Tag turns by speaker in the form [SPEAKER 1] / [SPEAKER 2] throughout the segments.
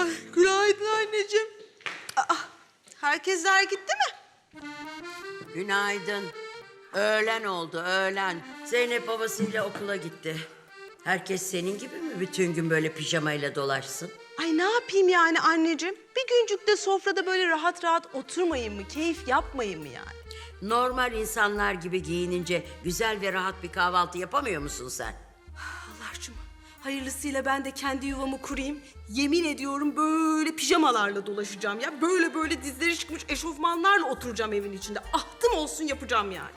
[SPEAKER 1] Ay, günaydın anneciğim. Aa, herkesler gitti mi?
[SPEAKER 2] Günaydın. Öğlen oldu, öğlen. Zeynep babasıyla okula gitti. Herkes senin gibi mi bütün gün böyle pijamayla dolaşsın?
[SPEAKER 1] Ay ne yapayım yani anneciğim? Bir güncük de sofrada böyle rahat rahat oturmayayım mı? Keyif yapmayayım mı yani?
[SPEAKER 2] Normal insanlar gibi giyinince güzel ve rahat bir kahvaltı yapamıyor musun sen?
[SPEAKER 1] Allah'cığım hayırlısıyla ben de kendi yuvamı kurayım. Yemin ediyorum böyle pijamalarla dolaşacağım ya. Böyle böyle dizleri çıkmış eşofmanlarla oturacağım evin içinde. Ahtım olsun yapacağım yani.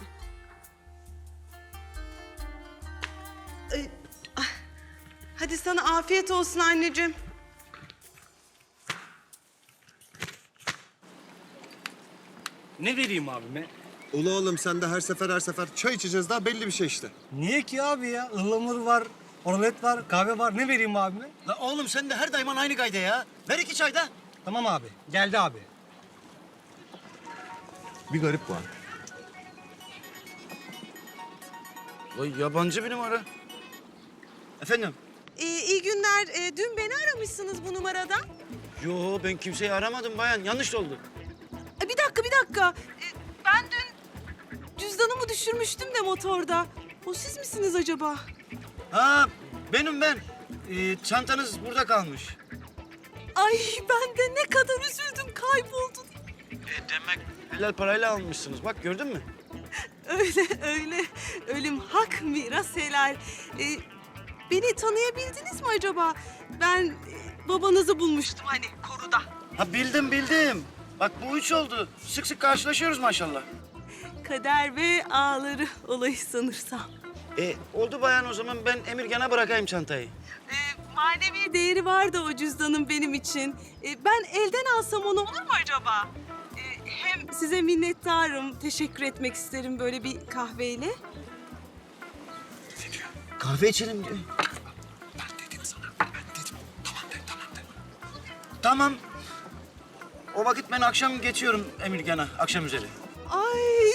[SPEAKER 1] Ah, hadi sana afiyet olsun anneciğim.
[SPEAKER 3] Ne vereyim abime?
[SPEAKER 4] Ulu oğlum sen de her sefer çay içeceğiz daha belli bir şey işte.
[SPEAKER 3] Niye ki abi ya? Ihlamur var, oralet var, kahve var. Ne vereyim abime?
[SPEAKER 5] La oğlum sen de her daima aynı gayda ya. Ver 2 çay da.
[SPEAKER 3] Tamam abi. Geldi abi.
[SPEAKER 4] Bir garip var.
[SPEAKER 5] Vay yabancı bir numara. Efendim?
[SPEAKER 1] İyi günler. Dün beni aramışsınız bu numaradan.
[SPEAKER 5] Yo ben kimseyi aramadım bayan. Yanlış oldu.
[SPEAKER 1] Bir dakika. Ben dün cüzdanımı düşürmüştüm de motorda. O siz misiniz acaba?
[SPEAKER 5] Ha benim ben. Çantanız burada kalmış.
[SPEAKER 1] Ay ben de ne kadar üzüldüm kayboldu.
[SPEAKER 5] Demek helal parayla almışsınız. Bak gördün mü?
[SPEAKER 1] Öyle. Ölüm hak, miras helal. Beni tanıyabildiniz mi acaba? Ben babanızı bulmuştum hani koruda.
[SPEAKER 5] Ha bildim. Bak bu 3 oldu. Sık sık karşılaşıyoruz maşallah.
[SPEAKER 1] Kader ve ağları olayı sanırsam.
[SPEAKER 5] Oldu bayan o zaman ben Emirgan'a bırakayım çantayı.
[SPEAKER 1] Manevi değeri var da o cüzdanın benim için. Ben elden alsam onu olur mu acaba? Hem size minnettarım, teşekkür etmek isterim böyle bir kahveyle.
[SPEAKER 5] Kahve içelim diyor. Tamam. O vakit ben akşam geçiyorum Emirgan'a, akşam üzeri.
[SPEAKER 1] Ay,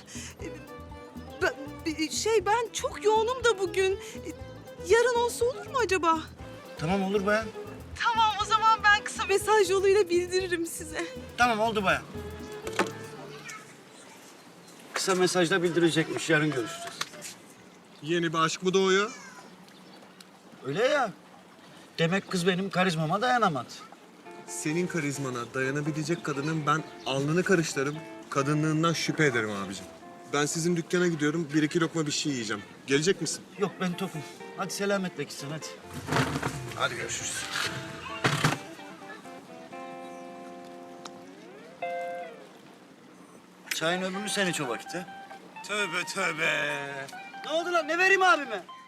[SPEAKER 1] ben çok yoğunum da bugün. Yarın olsa olur mu acaba?
[SPEAKER 5] Tamam olur bayan.
[SPEAKER 1] Tamam, o zaman ben kısa mesaj yoluyla bildiririm size.
[SPEAKER 5] Tamam oldu bayan. Kısa mesajda bildirecekmiş, yarın görüşeceğiz.
[SPEAKER 4] Yeni bir aşk mı doğuyor?
[SPEAKER 5] Öyle ya. Demek kız benim karizmama dayanamadı.
[SPEAKER 4] Senin karizmana dayanabilecek kadının ben alnını karıştırırım. Kadınlığından şüphe ederim abicim. Ben sizin dükkana gidiyorum. 1-2 lokma bir şey yiyeceğim. Gelecek misin?
[SPEAKER 5] Yok ben tokum. Hadi selametle gitsin hadi. Hadi görüşürüz. Çayın ömrünü sen iç o vakit ha.
[SPEAKER 3] Tövbe tövbe.
[SPEAKER 5] Ne oldu lan? Ne vereyim abime?